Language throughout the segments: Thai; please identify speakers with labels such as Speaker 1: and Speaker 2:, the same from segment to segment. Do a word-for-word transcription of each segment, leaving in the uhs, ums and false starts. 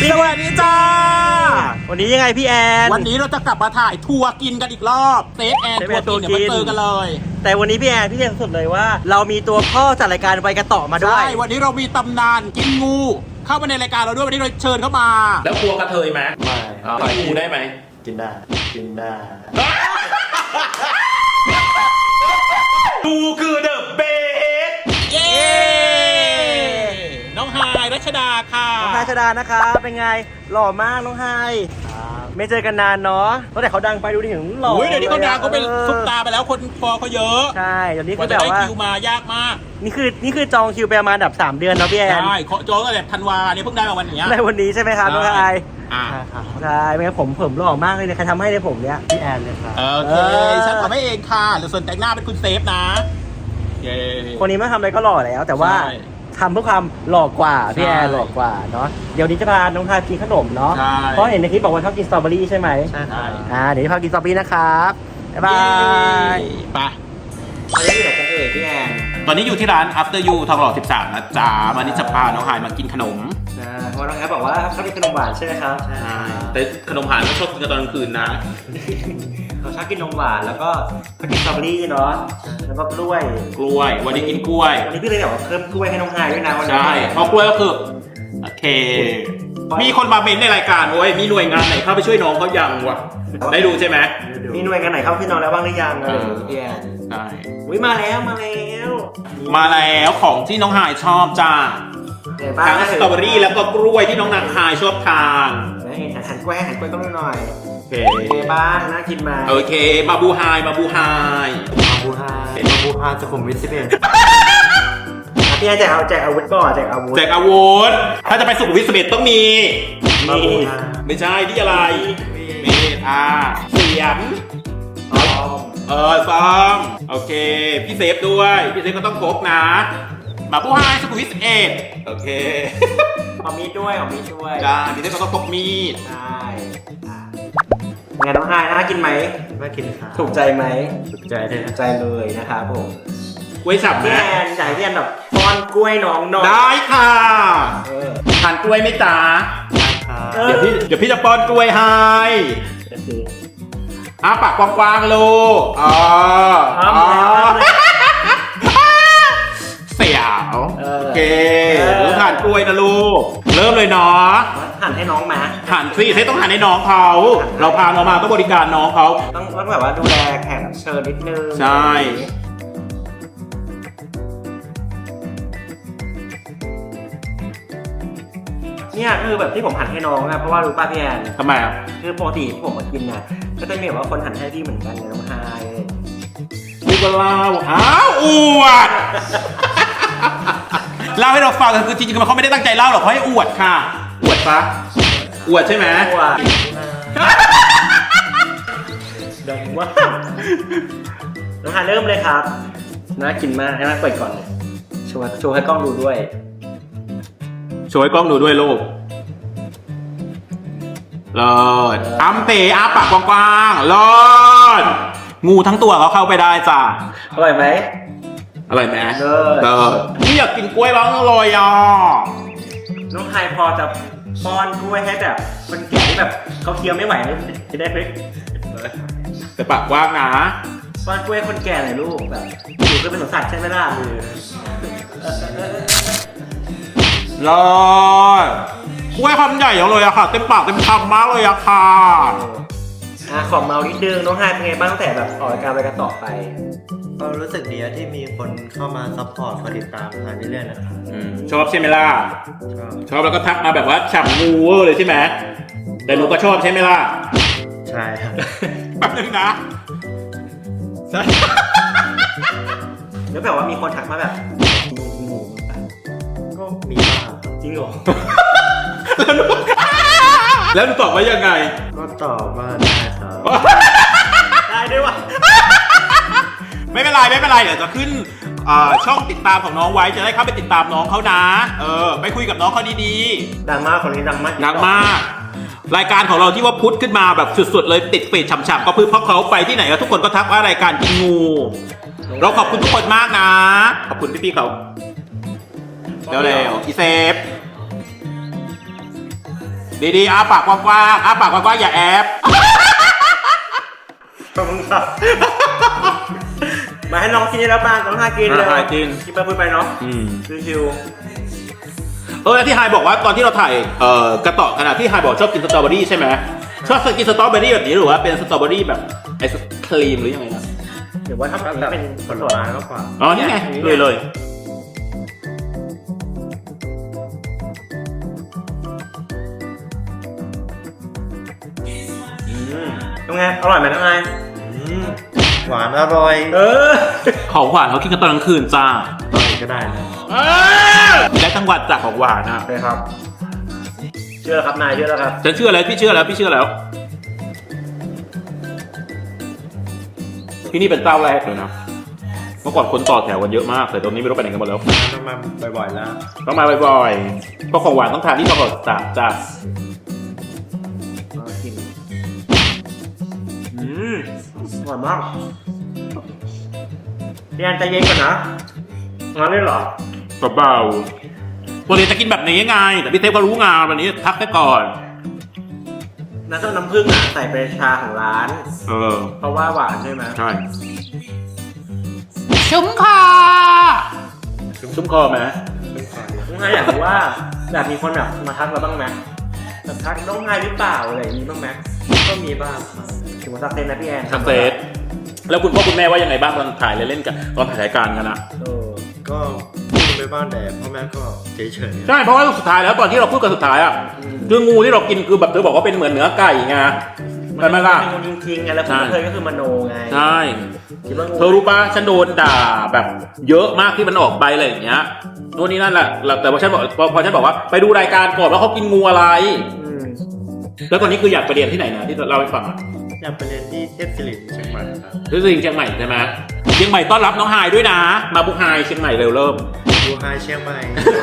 Speaker 1: สวัสดีจ้าวันนี้ยังไงพี่แอน
Speaker 2: วันนี้เราจะกลับมาถ่ายทัวร์กินกันอีกรอบเซฟแอนทัวร์กินเดี๋ยวมาเจอกันเลย
Speaker 1: แต่วันนี้พี่แอนพี่เรียนสุดเลยว่าเรามีตัวพ่อจัดรายการไปกันต่อมาด้วย
Speaker 2: ใช่วันนี้เรามีตำนานกินงูเข้ามาในรายการเราด้วยวันนี้เราเชิญเข้ามาแล้วกลัวกระเทยไหม
Speaker 3: ไม่
Speaker 2: ต่อยงูได้ไหม
Speaker 3: กินได้กินได้
Speaker 2: งูคือเดอะเบสเย้น้องไฮรัชดาค่ะ
Speaker 1: น้องไฮรัชดานะคะเป็นไงหล่อมากน้องไฮไม่เจอกันนานเนาะตั้งแต่เขาดังไปดูดิถึงหล่อ
Speaker 2: เดี๋ยวนี้เขาดังเขาเป็นซุปตาไปแล้วคนฟอเขาเยอะ
Speaker 1: ใช่เดี๋ยวนี้
Speaker 2: คือแบบว่าคิวมายากมาก
Speaker 1: นี่คือนี่คือจองคิวไปประมาณแบบสามเดือนเนาะพี่แอน
Speaker 2: ใช่จองตั้งแต่ธันวาเนี่ยเพิ่งได้มาวันนี้
Speaker 1: ในวันนี้ใช่ไหมครับน้องไฮ
Speaker 2: อ่า
Speaker 1: ใช่ไม่งั้นผมผมหล่อมากเลยใครทำให้เลยผมเนี้ยพี่แอนเลยครับ
Speaker 2: โอเคฉันทำให้เองค่ะหรือส่วนแต่งหน้าเป็นคุณเซฟนะ
Speaker 1: คนนี้ไม่ทำอะไรก็หล่อแล้วแต่ว่าทำเพื่อความหล่อกว่าพี่แอนหล่อกว่าเนาะเดี๋ยวนี้จะพาน้องทากินขนมเนาะเพราะเห็นในคลิปบอกว่าชอบกินสตรอเบอรี่ใช่ไหม
Speaker 3: ใช่ครับ
Speaker 1: อ่าเดี๋ยวพากินสตรอเบอรี่นะครับบ๊ายบาย
Speaker 2: ไป
Speaker 1: ตอนนี้อยู่ไหนกันเอ่ยพี่แอน
Speaker 2: ตอนนี้อยู่ที่ร้าน After You ทองหล่อสิบสามนะจ๊ะวันนี้จะพาน้องไฮมากินขนม
Speaker 1: ใช่เพราะน้องแอฟบอกว่าชอบกินขนมหวานใช่ไหมครับ
Speaker 2: ใช่แต่ขนมหวานไม่ชอบกินตอนกลางคืนนะ
Speaker 1: เขาชอบกินนมหวานแล้วก็เขากินสตรอเบอรี่เนาะแล้วก็กล้วย
Speaker 2: กล้วยวันนี้กินกล้วย
Speaker 1: วันนี้พี่เลยแบบเพิ่มกล้วยให้น้องไฮด้วยนะวันนี้
Speaker 2: ใช่เพราะกล้วยก็คือโอเคมีคนมาเมนในรายการโว้ยมีหน่วยงานไหนเข้าไปช่วยน้องเขายังวะได้ดูใช่ไหม
Speaker 1: มีหน่วยงานไหนเข้าพี่น้องแล้วบ้างหรือยังอะไรพี่แอน
Speaker 2: ใช่
Speaker 1: อุ้ยมาแล้วมาแล้ว
Speaker 2: มาแล้วของที่น้องไฮชอบจ้าทั้งสตรอเบอรี่แล้วก็กล้วยที่น้องนางไฮชอบทาน
Speaker 1: หันกล้วยหันกล้วยก็หน่อย
Speaker 2: โอเค
Speaker 1: บ้างน่ากินมา
Speaker 2: โอเคมาบูไฮมาบูไฮ
Speaker 1: มาบูไฮ
Speaker 3: มาบูไฮสุขุมวิทสิบเอ็ด
Speaker 1: พี่แอนแจกเอาแจกอาวุธก่อนแจกอาวุธ
Speaker 2: แจกอาวุธถ้าจะไปสุขุมวิทสิบเอ็ดต้องมีนี่ไม่ใช่ที่อะไรเมตอาเสียงเออซ้อมโอเคพี่เซฟด้วยพี่เซฟก็ต้องพกนะมาบูไฮสุขุมวิทสิบเอ็ดโอเค
Speaker 1: เอามีดด้วยเอามีดด้วย
Speaker 2: จ้าพี่เซฟก็ต้องพกมีด
Speaker 1: ใช่ไงน้องไฮน่ากินไหม
Speaker 3: น่ากินค่ะ
Speaker 1: ถูกใจไหม
Speaker 3: ถูกใจเลย
Speaker 1: ถูกใจเลยนะครับผม
Speaker 2: กล้วยสับ
Speaker 1: พี่แอนจ่ายพี่แอนแบบป้อนกล้วยน้องน้อง
Speaker 2: ได้ค่ะทานกล้วยไหมจ๊ะเดี๋ยวพี่เดี๋ยวพี่จะป้อนกล้วยให้อ้าปากกว้างๆลูกอ๋อเสียวโอเครู้ทานกล้วยนะลูกเริ่มเลยเนาะ
Speaker 1: หั่นให้น้องมา
Speaker 2: หั่นสิให้ต้องหั่นให้น้องเขาเราพาน้องมาต้องบริการน้องเขา
Speaker 1: ต้องต้องแบบว่าดูแลแขกเชิญนิดนึง
Speaker 2: ใช่
Speaker 1: เนี่ยคือแบบที่ผมหั่นให้น้องนะเพราะว่ารู้ป่ะพี่แอน
Speaker 2: ทำไมอ่ะ
Speaker 1: คือปกติที่ผมมากินนะก็จะมีแบบว่าคนหั่นให้พี่เหมือนกันน้องไฮ
Speaker 2: นี่ก็เล่าอ้าวอวดเล่าให้เราฟังคือจริงๆเขาไม่ได้ตั้งใจเล่าหรอกเขาให้อวดค่ะอวดปะอวดใช่ไหม
Speaker 1: อวดดังว่าน้องไฮเริ่มเลยครับน่ากินมากให้น่าเปิดก่อนเลยโชว์โชว์ให้กล้องดูด้วย
Speaker 2: โชว์ให้กล้องดูด้วยลูกเลิศอ้ำเตะอ้าปากกว้างๆเลิศงูทั้งตัวเขาเข้าไปได้จ้ะ
Speaker 1: อร่อยไหม
Speaker 2: อร่อยไหมเลิศเลิศพี่อยากกินกล้วยบ้างเลยอ่ะ
Speaker 1: น้องไฮพอจะป้อนกล้วยให้แบบคนแก่ที่แบบเขาเคี้ยวไม่ไหวจะได้ไหม
Speaker 2: แต่ปากกว้างนะ
Speaker 1: ป้อนกล้วยคนแก่หน่อยลูกแบบอยู่ก็เป็นสมสัตว์ใช่ไหมล่ะ
Speaker 2: รอดกล้วยคำใหญ่เลยอะค่ะเต็มปากเต็มคำมากเลยอะค่ะ
Speaker 1: อ่ะขอเมานิดนึงน้องไฮเป็นไงบ้างตั้งแต่แบบออกรายการไปกันต่อไป
Speaker 3: ก็รู้สึกดีที่มีคนเข้ามาซัพพอร์ตคอยติดตามทางเรื่อยๆนะครับ
Speaker 2: ชอบใช่ไหมล่ะ
Speaker 3: ชอบ
Speaker 2: ชอบแล้วก็ทักมาแบบว่าฉ่ำงูเลยใช่ไหมแต่หนูก็ชอบใช่ไหมล่ะ
Speaker 3: ใช่ครับ
Speaker 2: แป๊บนึงนะ
Speaker 1: ใช่แล้วแบบว่ามีคนทักมาแบบงู
Speaker 3: ก็มีบ้าง
Speaker 1: จริงเหรอ
Speaker 2: แล้วหนูตอบว่ายังไง
Speaker 3: ก็ตอบว่าได้ครับ
Speaker 1: ได้ด้วยวะ
Speaker 2: ไม่เป็นไรไม่เป็นไรเดี๋ยวจะขึ้นช่องติดตามของน้องไว้จะได้เข้าไปติดตามน้องเขานะเออไปคุยกับน้องเขาดี
Speaker 1: ๆดังมากคนนี้ดังมาก
Speaker 2: ดังมากรายการของเราที่ว่าพุทธขึ้นมาแบบสุดๆเลยติดเฟซฉ่ำๆก็เพื่อเพราะเขาไปที่ไหนก็ทุกคนก็ทักว่ารายการกินงูเราขอบคุณทุกคนมากนะขอบคุณพี่ๆเขาเร็วๆอีเซฟดีๆอ้าปากกว้างๆอ้าปากกว้างๆอย่าแอบ
Speaker 1: ขอบคุณครับมาให้น้องกินแล้วบ้างน้องฮากินเลย
Speaker 2: ฮากิน
Speaker 1: กินไปพูดไปเนาะ
Speaker 2: อืม
Speaker 1: ชิว
Speaker 2: เออแล้วที่ไฮบอกว่าตอนที่เราถ่ายเอ่อกระต่อขณะที่ไฮบอกชอบกินสตรอเบอรี่ใช่ไหมชอบกินสตรอเบอรี่แบบนี้หรือว่าเป็นสตรอเบอรี่แบบไอศครีมหรือยังไงนะ
Speaker 1: ๆเดี๋ยวว่าถ้าแบบ
Speaker 3: แบบ
Speaker 1: เป็น
Speaker 3: ผลไม้มากกว่า
Speaker 2: อ๋อนี่ไงเลยเลย
Speaker 1: ยังไงอร่อยไหมน้องไง
Speaker 3: อืมหวานอร่อย
Speaker 1: เออ
Speaker 2: ของหวานเขากินกันตอนกลางคืนจ้า
Speaker 3: ตอนไหนก็ได้นะ
Speaker 2: ได้ทั้งวันจากของหวานอ่ะ
Speaker 1: ใช่ครับ เชื่อแล้วครับนายเชื่อแล้วครับ
Speaker 2: ฉันเชื่อแล้วพี่เชื่อแล้วพี่เชื่อแล้วที่นี่เป็นเจ้าแรกเลยนะเมื่อก่อนคนต่อแถวกันเยอะมากแต่ตอนนี้ไม่รู้ไปไหนกันหมดแล้ว
Speaker 3: ต้องมาบ่อยๆแล้ว
Speaker 2: ต้องมาบ่อยๆเพราะของหวานต้องทานที่ตลอดสามจ้า
Speaker 1: กินอืมอร่อยมากพี่แอนใจเย็นก่อนนะงั้นเลยเหรอ
Speaker 2: เบาๆตัวเรียนจะกินแบบนี้ไงแต่พี่เทพก็รู้งานวันนี้ทักได้ก่อน
Speaker 1: น้ำส้มน้ำผึ้งอ่ะใส่เป็นชาของร้าน
Speaker 2: เออ
Speaker 1: เพราะว่าหวานใช่ไหม
Speaker 2: ใช่ชุ่มคอชุ่มคอไหม
Speaker 1: น้องไงอยากรู้ว่าแบบมีคนแบบมาทักเราบ้างไหมแบบทักน้องไงหรือเปล่าอะไรอย่างนี้บ้างไหมก็มีบ้างถึงมาทักเซนนะพี่แอน
Speaker 2: ทักเซตแล้วคุณพ่อคุณแม่ว่ายังไงบ้างตอนถ่ายเล่นๆกันตอนถ่ายรายการกันนะ
Speaker 1: เออ
Speaker 3: ก็พูดไปบ้างแต่พ่อแม่ก็เฉยๆ
Speaker 2: ใช่เพราะว่าสุดท้ายแล้วตอนที่เราพูดกันสุดท้ายอ่ะคืองูที่เรากินคือแบบเธอบอกว่าเป็นเหมือนเนื้อไก่ไงใช่ไหมล่ะ
Speaker 1: เป็นงูจริงๆไงแล้วคุณเคยก็คือมโนไง
Speaker 2: ใช่
Speaker 1: คิดว่างู
Speaker 2: เธอรู้ป่ะฉันโดนด่าแบบเยอะมากที่มันออกไปอะไรอย่างเงี้ยนู่นนี่นั่นแหละแต่พอฉันบอกพอพอฉันบอกว่าไปดูรายการก่อนว่าเขากินงูอะไร
Speaker 1: อืม
Speaker 2: แล้วตอนนี้คืออยากไปเรียนที่ไหนนะที่เราไปฟังอ่ะ
Speaker 3: อยากไปเรียนที่เทพศิริเชียงใหม่ครับ
Speaker 2: ที่เชียงใหม่ใช่ไหมเชียงใหม่ต้อนรับน้องไฮด้วยนะ มาบุกไฮเชียงใหม่เร็วเริ่ม
Speaker 3: ดูไฮเชียงใหม่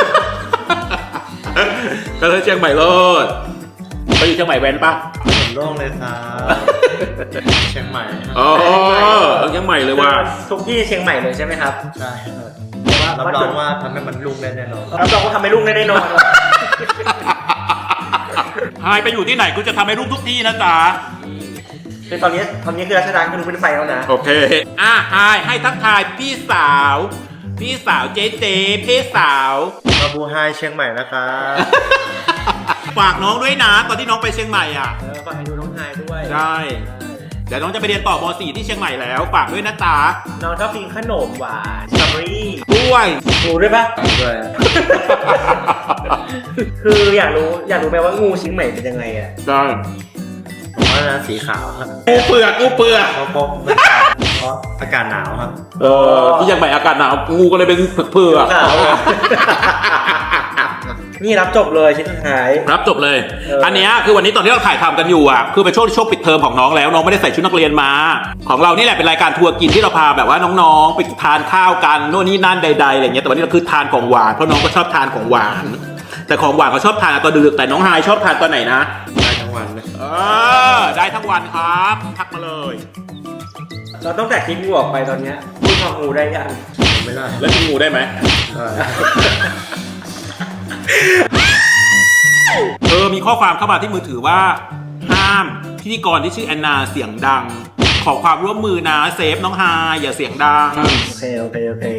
Speaker 2: ก็เลยเชียงใหม่เลิศไปอยู่เชียงใหม่แว้นปะ
Speaker 3: ถนนโล่งเลยครับเชียงใหม่ครับ
Speaker 2: อ๋อเชียงใหม่เลยว่ะ
Speaker 1: ทุกที่เชียงใหม่เลยใช่ไหมครับ
Speaker 3: ใช่ครับ
Speaker 1: แต่ว่า
Speaker 3: รับรองว่าทำให้มันลุ่งได้แน่นอน
Speaker 1: รับรองว่าทำให้ลูกได้แน่นอน
Speaker 2: ไฮไปอยู่ที่ไหนกูจะทำให้ลูกทุกที่นะจ๊ะ
Speaker 1: คือตอนนี้ตอนนี้คือรัชดาคือเป็นไฟแล้วนะ
Speaker 2: โอเคอ่ะไฮให้ทักทายพี่สาว พี่สาวเจ๊เจ๊พี่สาว
Speaker 3: มาบูไฮเชียงใหม่นะครับ
Speaker 2: ฝากน้องด้วยนะตอนที่น้องไปเชียงใหม่อ่ะ
Speaker 1: เออฝากให้ดูน้องไฮด้วย
Speaker 2: ใช่เดี๋ยวน้องจะไปเรียนต่อม .สี่ ที่เชียงใหม่แล้วฝากด้วยนะจ๊ะ
Speaker 1: น้องชอบกินขนมหวานสตรอเบอรี่
Speaker 2: กล้วย
Speaker 1: หนูด้วยปะ
Speaker 3: ด้วย
Speaker 1: คืออยากรู้อยากรู้ไหมว่างูเชียงใหม่เป็นยังไงอ่ะ
Speaker 2: ได้
Speaker 3: ผมว่านะสีขาวครับ
Speaker 2: กูเปลือกกูเปลือก
Speaker 3: เพราะเพราะมันขาวเพราะอากาศหนาวครับ
Speaker 2: เออที่เชียงใหม่อากาศหนาวงูก็เลยเป็นเปลือก
Speaker 1: ขาวอะ นี่รับจบเลยชิ้นสุดท้าย
Speaker 2: รับจบเลย
Speaker 1: เอออั
Speaker 2: อันเนี้ยคือวันนี้ตอนที่เราถ่ายทำกันอยู่อ่ะคือเป็นช่วงช่วงปิดเทอมของน้องแล้วน้องไม่ได้ใส่ชุดนักเรียนมา ของเรานี่แหละเป็นรายการทัวร์กินที่เราพาแบบว่าน้องๆไปทานข้าวกันโน่นนี่นั่นใดๆอะไรเงี้ยแต่วันนี้เราคือทานของหวานเพราะน้องก็ชอบทานของหวาน แต่ของหวานเขาชอบทานตอนดึกแต่น้องไฮชอบทานตอนไหนนะ
Speaker 3: ได้ทั้งวันเลย
Speaker 2: เออได้ทั้งวันครับทักมาเลย
Speaker 1: เราต้องแต่คลิปงูออกไปตอนเนี้ยพูดของงูได้ยัง
Speaker 3: ไม่ได้
Speaker 2: แล้วกินงูได้ไหม
Speaker 3: ได้
Speaker 2: เออมีข้อความเข้ามาที่มือถือว่าห้ามพิธีกรที่ชื่อแอนนาเสียงดัง ขอความร่วมมือนะเซฟน้องไฮอย่าเสียงดัง
Speaker 1: โอเคโอเคโอเค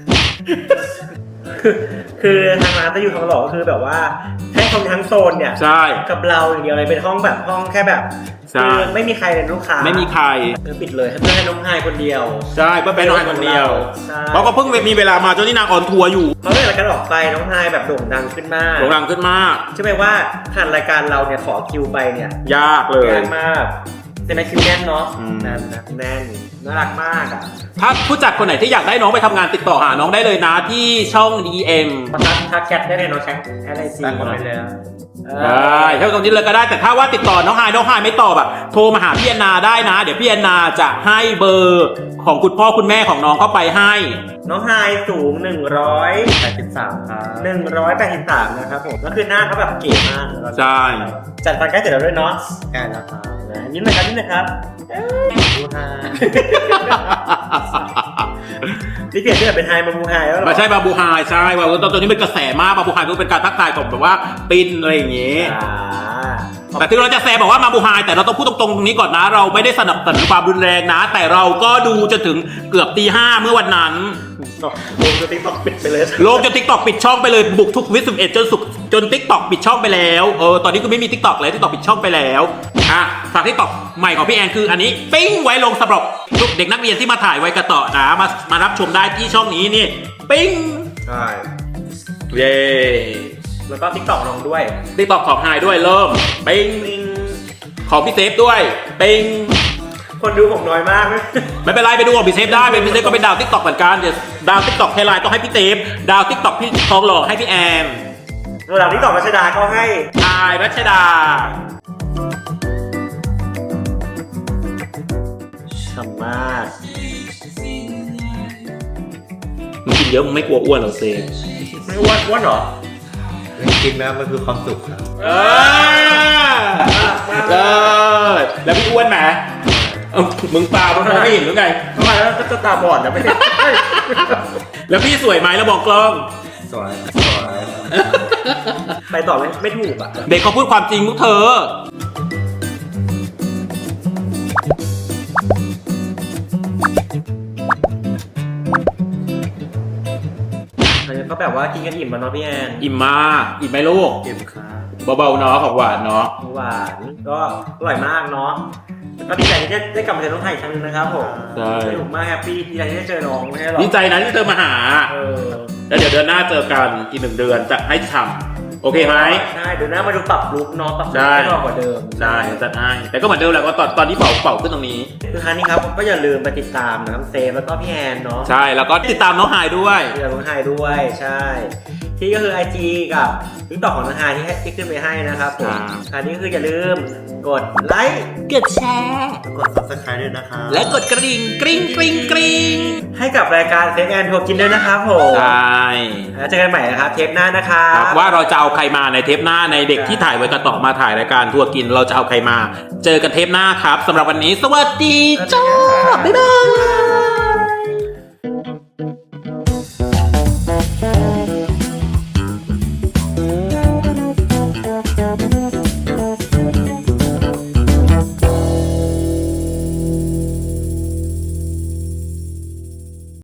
Speaker 1: คือทางร้านจะอยู่ทองหล่อก็คือแบบว่าให้คนทั้งโซนเนี่ย
Speaker 2: ใช่
Speaker 1: กับเราอย่างเดียวเลยเป็นห้องแบบห้องแค่แบบ
Speaker 2: ใช่
Speaker 1: คือไม่มีใครเป็นลูกค้า
Speaker 2: ไม่มีใคร
Speaker 1: คือปิดเลยให้เพื่อให้น้องไฮคนเดียว
Speaker 2: ใช่เพื่อเป็นน้องไฮคนเดียว
Speaker 1: ใช่
Speaker 2: เพราะก็เพิ่งมีเวลามาจนที่นางออนทัวร์อยู่
Speaker 1: เพราะเมื่อรายการออกไปน้องไฮแบบโด่งดังขึ้นมาก
Speaker 2: โด่งดังขึ้นมาก
Speaker 1: ใช่ไหมว่าผ่านรายการเราเนี่ยขอคิวไปเนี่ย
Speaker 2: ยากเลย
Speaker 1: ยากมากแต่ในคิวแน่นเนาะ
Speaker 2: อืม
Speaker 1: แน่นนะแน่นน่ารักมากอ่ะ
Speaker 2: ถ้าผู้จัดคนไหนที่อยากได้น้องไปทำงานติดต่อหาน้องได้เลยนะที่ช่อง ดี เอ็ม
Speaker 1: ทักทักแชทได้เลยเนาะแชทอะไรซี
Speaker 3: ตั้งคอมเมนต์เลยนะ
Speaker 2: ได้ถ้าตรงนี้เลยก็ได้แต่ถ้าว่าติดต่อน้องไฮน้องไฮไม่ตอบอะโทรมาหาพี่แอนนาได้นะ เดี๋ยวพี่แอนนาจะให้เบอร์ของคุณพ่อคุณแม่ของน้องเข้าไปให้
Speaker 1: น้องไฮสูงหนึ่งร้อย
Speaker 3: แปดสิบสามครับ
Speaker 1: หนึ่งร้อยแปดสิบสามนะครับผมก็คือหน้าเขาแบบเก๋มาก
Speaker 2: ใช่
Speaker 1: จัดฟันใกล้เสร็จแล้วด้วยเนาะ
Speaker 3: ใกล้แล้วครับ
Speaker 1: นะยิ้มหน่อยครับยิ้มหน่อยครับ
Speaker 3: บูไฮ
Speaker 1: นี่เปลี่ยนชื่อจากเป็นไฮมาบูไฮแล้วเหรอ
Speaker 2: ไม่ใช่บาบูไฮใช่ว่าตอนนี้เป็นกระแสมากบาบูไฮก็เป็นการทักทายของแบบว่าปินอะไรอย่างงี้
Speaker 1: อ่า
Speaker 2: แต่ถึงเราจะแซวบอกว่ามาบูไฮแต่เราต้องพูดตรงๆตรงนี้ก่อนนะ เราไม่ได้สนับสนุนความรุนแรงนะ แต่เราก็ดูจนถึงเกือบตีห้าเมื่อวันนั้น
Speaker 1: ลงจะติ๊กต็อกปิดไปเลย
Speaker 2: โลกจนทิกตอกปิดช่องไปเลยบุกทุกวิสิบเอ็ดจนสุกจนทิกตอกปิดช่องไปแล้วเออตอนนี้ก็ไม่มีทิกตอกเลยทิกตอกปิดช่องไปแล้วอ่ะฝากทิกตอกใหม่ของพี่แอนคืออันนี้ปิ้งไว้ลงสำหรับทุกเด็กนักเรียนที่มาถ่ายไว้กระต่อนะมามารับชมได้ที่ช่องนี้นี่ปิ้ง
Speaker 3: ใช่
Speaker 2: เย้
Speaker 1: แล้วก็ติ๊กต็อกลงด้วย
Speaker 2: ทิกตอกของไฮด้วยเริ่มปิ้งของพี่เซฟด้วยปิ้ง
Speaker 1: คนดูผมน้อยมาก
Speaker 2: ไม่เป็นไรไปดูของพี่เซฟได้เป็นพี่เซฟก็เป็นดาวทิกตอกเหมือนกันเดี๋ยวดาวทิกตอกไฮไลท์ต้องให้พี่เซฟดาวทิกตอกพี่ทองหล่อให้พี่แอน
Speaker 1: ระดับติ๊กต็อกรัชดาก็ให้
Speaker 2: อายรัชดา
Speaker 1: ฉ่ำมาก
Speaker 2: มึงกินเยอะมึงไม่กลัวอ้วนเหรอเซฟ
Speaker 1: ไม่อ้วนอ้วนเหรอ
Speaker 3: กินแล้วมันคือความสุขครับ
Speaker 2: เออเออแล้วพี่อ้วนไหมเอ้ามึงตามึงมองไม่เห็นหรือไง
Speaker 1: ทำไมแล้วก็ตาบอดนะไม่
Speaker 2: แล้วพี่สวยไหมแล้วบอกกล้อง
Speaker 3: สวยสวย
Speaker 1: ไปต่อไม่ไม่ถูกอ่ะ
Speaker 2: เด็กเขาพูดความจริงพวกเธอ
Speaker 1: อันนี้ก็แบบว่ากินกันอิ่มมาเนาะพี่แอน
Speaker 2: อิ่มมากอิ่มไหมลูก
Speaker 3: เก็บครับ
Speaker 2: เบาๆเนาะของหวานเนาะ
Speaker 1: หวานก็อร่อยมากเนาะก็ดีใจที่ได้ได้กลับมาเจอน้องไทยอีกครั้งนึงนะครับผม
Speaker 2: ใช่
Speaker 1: สนุกมากแฮปปี้ดีใจที่ได้เจอน้องไม่ใช่หรอ
Speaker 2: ดีใจนะที่เธอมาหา
Speaker 1: เออ
Speaker 2: แล้วเดี๋ยวเดือนหน้าเจอกันอีกหนึ่งเดือนจะให้ฉ่ำโอเคไหม
Speaker 1: ใช่เดี๋ยวหน้ามาดูปรับลุคเนาะปรับลุค
Speaker 2: ได้
Speaker 1: ให้หล่อกว่าเดิม
Speaker 2: ได้จัดให้แต่ก็เหมือนเดิมแหละว่าตอนตอนที่เป่าเป่าขึ้นตรงนี้
Speaker 1: คือครั้งนี้ครับก็อย่าลืมไปติดตามนะครับเซฟแล้วก็พี่แอนเนาะ
Speaker 2: ใช่แล้วก็ติดตามน้องหายด้วย
Speaker 1: ที่เราลงให้ด้วยใช่ ที่ก็คือ ไอ จี กับทิกตอกของนาฮาที่ให้ที่ขึ้นไปให้นะครับผม
Speaker 2: ครับ
Speaker 1: อันนี้ก็คืออย่าลืมกดไลค์
Speaker 2: กดแชร์
Speaker 3: กด ซับสไครบ์ ด้วยนะครับ
Speaker 2: และกดกระดิ่งกริ๊งกริ๊งกริ๊ง
Speaker 1: ให้กับรายการเซฟแอนทัวร์กินด้วยนะครับผม
Speaker 2: ใช่
Speaker 1: แล้วเจอกันใหม่นะครับเทปหน้านะครั
Speaker 2: ครับ บว่าเราจะเอาใครมาในเทปหน้าในเด็กที่ถ่ายไว้กระต่อมาถ่ายรายการทัวร์กินเราจะเอาใครมา เจอกันเทปหน้าครับสำหรับวันนี้ สวัสดีจ้าบ๊ายบาย